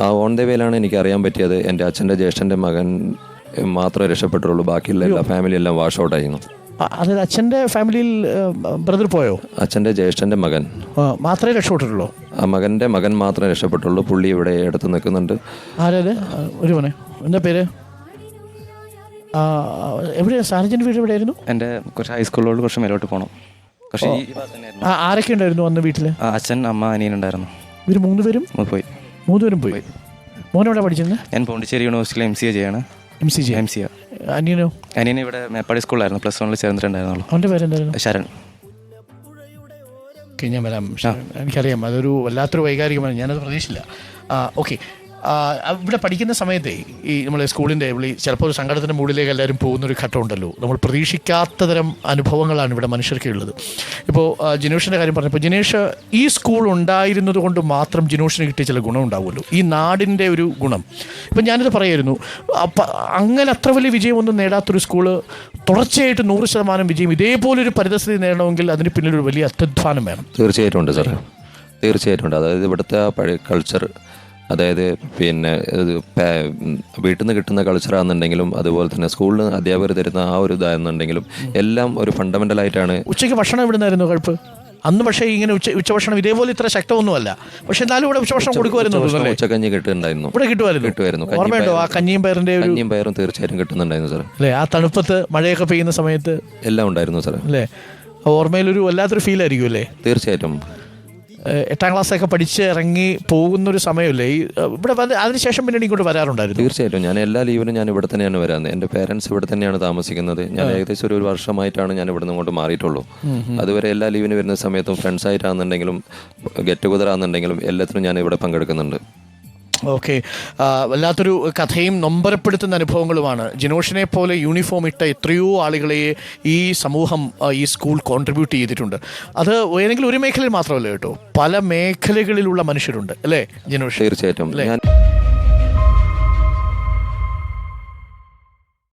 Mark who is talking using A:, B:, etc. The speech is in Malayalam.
A: ആ ഓൺ ദ വേയിലാണ് എനിക്ക് അറിയാൻ പറ്റിയത്. എൻ്റെ അച്ഛൻ്റെ ജ്യേഷ്ഠൻ്റെ മകൻ മാത്രമേ രക്ഷപ്പെട്ടുള്ളൂ, ബാക്കിയുള്ള എല്ലാ ഫാമിലി എല്ലാം വാഷ് ഔട്ട് ആയിരുന്നു.
B: അതായത് അച്ഛൻ്റെ ഫാമിലിയിൽ ബ്രദർ പോയോ?
A: അച്ഛൻ്റെ ജ്യേഷ്ഠൻ്റെ മകൻ
B: മാത്രമേ രക്ഷപ്പെട്ടിട്ടുള്ളൂ.
A: ആ മകൻ്റെ മകൻ മാത്രമേ രക്ഷപ്പെട്ടുള്ളൂ. പുള്ളി ഇവിടെ അടുത്ത് നിൽക്കുന്നുണ്ട്.
B: ആരത്? ഒരു മോനെ, എന്താ പേര്? എവിടെയാണ് സാർജൻ്റെ വീട്? എവിടെയായിരുന്നു?
C: എൻ്റെ കുറച്ച് ഹൈസ്കൂളിലോട്ട് കുറച്ച് മേലോട്ട് പോകണം.
B: ആരൊക്കെ ഉണ്ടായിരുന്നു അന്ന് വീട്ടിൽ?
C: അച്ഛൻ, അമ്മ, അനിയനുണ്ടായിരുന്നു.
B: ഇവർ മൂന്നുപേരും
C: പോയി.
B: മൂന്നുപേരും പോയി. മോനെവിടെ പഠിച്ചത്?
C: ഞാൻ പോണ്ടിച്ചേരി യൂണിവേഴ്സിറ്റിയിൽ MCA ചെയ്യാണ്. MCA.
B: അനിയനോ?
C: അനിയൻ ഇവിടെ മേപ്പാടി സ്കൂളിലായിരുന്നു, +1 ചേർന്നിട്ടുണ്ടായിരുന്നുള്ളൂ.
B: അവൻ്റെ പേരെന്തായിരുന്നു?
C: ശരൺ.
B: ഓക്കെ, ഞാൻ വരാം. എനിക്കറിയാം, അതൊരു വല്ലാത്തൊരു വൈകാരികമാണ്, ഞാനത് പ്രതീക്ഷിച്ചില്ല. ഓക്കെ, ഇവിടെ പഠിക്കുന്ന സമയത്തെ ഈ നമ്മളെ സ്കൂളിൻ്റെ ചിലപ്പോൾ ഒരു സങ്കടത്തിൻ്റെ മുകളിലേക്ക് എല്ലാവരും പോകുന്നൊരു ഘട്ടമുണ്ടല്ലോ. നമ്മൾ പ്രതീക്ഷിക്കാത്ത തരം അനുഭവങ്ങളാണ് ഇവിടെ മനുഷ്യർക്കുള്ളത്. ഇപ്പോൾ ജിനേഷിൻ്റെ കാര്യം പറഞ്ഞപ്പോൾ, ജിനേഷ് ഈ സ്കൂൾ ഉണ്ടായിരുന്നത് കൊണ്ട് മാത്രം ജിനോഷിന് കിട്ടിയ ചില ഗുണം ഉണ്ടാവുമല്ലോ, ഈ നാടിൻ്റെ ഒരു ഗുണം. ഇപ്പം ഞാനിത് പറയായിരുന്നു, അങ്ങനെ അത്ര വലിയ വിജയമൊന്നും നേടാത്തൊരു സ്കൂള് തുടർച്ചയായിട്ട് 100% വിജയം ഇതേപോലൊരു പരിതസ്ഥിതി നേടണമെങ്കിൽ അതിന് പിന്നിലൊരു വലിയ അത്യധ്വാനം വേണം.
A: തീർച്ചയായിട്ടും ഉണ്ട് സാർ, തീർച്ചയായിട്ടും ഉണ്ട്. അതായത് ഇവിടുത്തെ ആ പഴയ കൾച്ചർ, അതായത് പിന്നെ വീട്ടിൽ നിന്ന് കിട്ടുന്ന കൾച്ചറാണെന്നുണ്ടെങ്കിലും അതുപോലെ തന്നെ സ്കൂളിൽ അധ്യാപകർ തരുന്ന ആ ഒരു ഇതാണെന്നുണ്ടെങ്കിലും എല്ലാം ഒരു ഫണ്ടമെൻ്റലായിട്ടാണ്.
B: ഉച്ചയ്ക്ക് ഭക്ഷണം ഇവിടുന്നായിരുന്നു കുഴപ്പം അന്ന്? പക്ഷേ ഇങ്ങനെ ഉച്ചഭക്ഷണം ഇതേപോലെ ഇത്ര ശക്തമൊന്നുമല്ല, പക്ഷെ എന്നാലും ഇവിടെ ഉച്ചഭക്ഷണം കൊടുക്കുമായിരുന്നു.
A: ഉച്ചക്കഞ്ഞി കിട്ടുന്നുണ്ടായിരുന്നു.
B: ഇവിടെ കിട്ടുമായിരുന്നു. ഓർമ്മയുണ്ടോ ആ കഞ്ഞിയും
A: പയറും? തീർച്ചയായിട്ടും കിട്ടുന്നുണ്ടായിരുന്നു സാർ.
B: അല്ലേ, ആ തണുപ്പത്ത് മഴയൊക്കെ പെയ്യുന്ന സമയത്ത് എല്ലാം
A: ഉണ്ടായിരുന്നു സാർ.
B: അല്ലേ, ഓർമ്മയിലൊരു വല്ലാത്തൊരു ഫീൽ ആയിരിക്കും അല്ലേ?
A: തീർച്ചയായിട്ടും.
B: 8ാം ക്ലാസ്സൊക്കെ പഠിച്ച് ഇറങ്ങി പോകുന്നൊരു സമയമല്ലേ ഈ ഇവിടെ അതിനുശേഷം പിന്നെ ഇങ്ങോട്ട് വരാറുണ്ടായിരുന്നു?
A: തീർച്ചയായിട്ടും. ഞാൻ എല്ലാ ലീവിനും ഞാൻ ഇവിടെ തന്നെയാണ് വരാറുള്ളത്. എൻ്റെ പേരൻസ് ഇവിടെ തന്നെയാണ് താമസിക്കുന്നത്. ഞാൻ ഏകദേശം ഒരു വർഷമായിട്ടാണ് ഞാൻ ഇവിടെ നിന്ന് ഇങ്ങോട്ട് മാറിയിട്ടുള്ളൂ. അതുവരെ എല്ലാ ലീവിന് വരുന്ന സമയത്തും ഫ്രണ്ട്സായിട്ടാണെന്നുണ്ടെങ്കിലും ഗെറ്റ് ടുഗദർ ആണെന്നുണ്ടെങ്കിലും എല്ലാത്തിനും ഞാൻ ഇവിടെ പങ്കെടുക്കുന്നുണ്ട്.
B: ഓക്കെ, വല്ലാത്തൊരു കഥയും നൊമ്പരപ്പെടുത്തുന്ന അനുഭവങ്ങളുമാണ്. ജിനോഷിനെ പോലെ യൂണിഫോം ഇട്ട എത്രയോ ആളുകളെ ഈ സമൂഹം, ഈ സ്കൂൾ കോൺട്രിബ്യൂട്ട് ചെയ്തിട്ടുണ്ട്. അത് ഏതെങ്കിലും ഒരു മേഖലയിൽ മാത്രമല്ല കേട്ടോ, പല മേഖലകളിലുള്ള മനുഷ്യരുണ്ട് അല്ലേ ജിനോഷ്?
A: തീർച്ചയായിട്ടും.